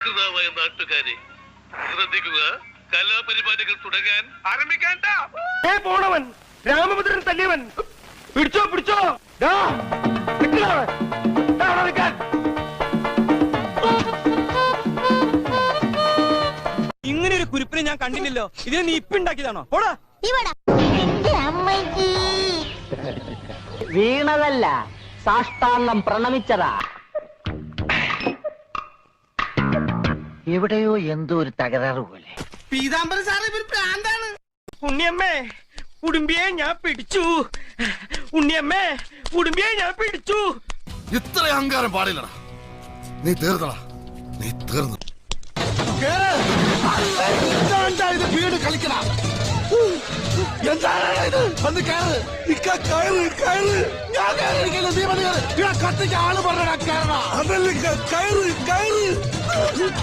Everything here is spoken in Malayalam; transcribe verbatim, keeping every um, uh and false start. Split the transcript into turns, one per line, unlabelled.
നാട്ടുകാരെ ശ്രദ്ധിക്കുക, കലാപരിപാടികൾ തുടങ്ങാൻ ആരംഭിക്കാൻ.
പോണവൻ രാമഭദ്രൻ തല്ലിയവൻ പിടിച്ചോ പിടിച്ചോ.
ഇങ്ങനെ ഒരു കുരിപ്പിനെ ഞാൻ കണ്ടില്ലല്ലോ. ഇതിനെ നീ ഇപ്പിണ്ടാക്കിയതാണോ? പോടാ.
വീണതല്ല, സാഷ്ടാംഗം പ്രണമിച്ചതാ. എവിടെയോ എന്തോ ഒരു തകരാറ് പോലെ.
പീതാംബരൻ സാറേ ഇവര് പ്രാന്താണ്. ഉണ്ണിയമ്മേ ഉടുമ്പിയെ ഞാൻ പിടിച്ചു. ഉണ്ണിയമ്മേ ഉടുമ്പിയെ ഞാൻ പിടിച്ചു.
ഇത്ര അഹങ്കാരം പാടില്ലടാ. നീ തീർന്നടാ, നീ തീർന്നു. വീട് കളിക്കണ എന്താണ് കത്തിക്ക് ആള് പറഞ്ഞ അതല്ലേ കയറ് കയറ്.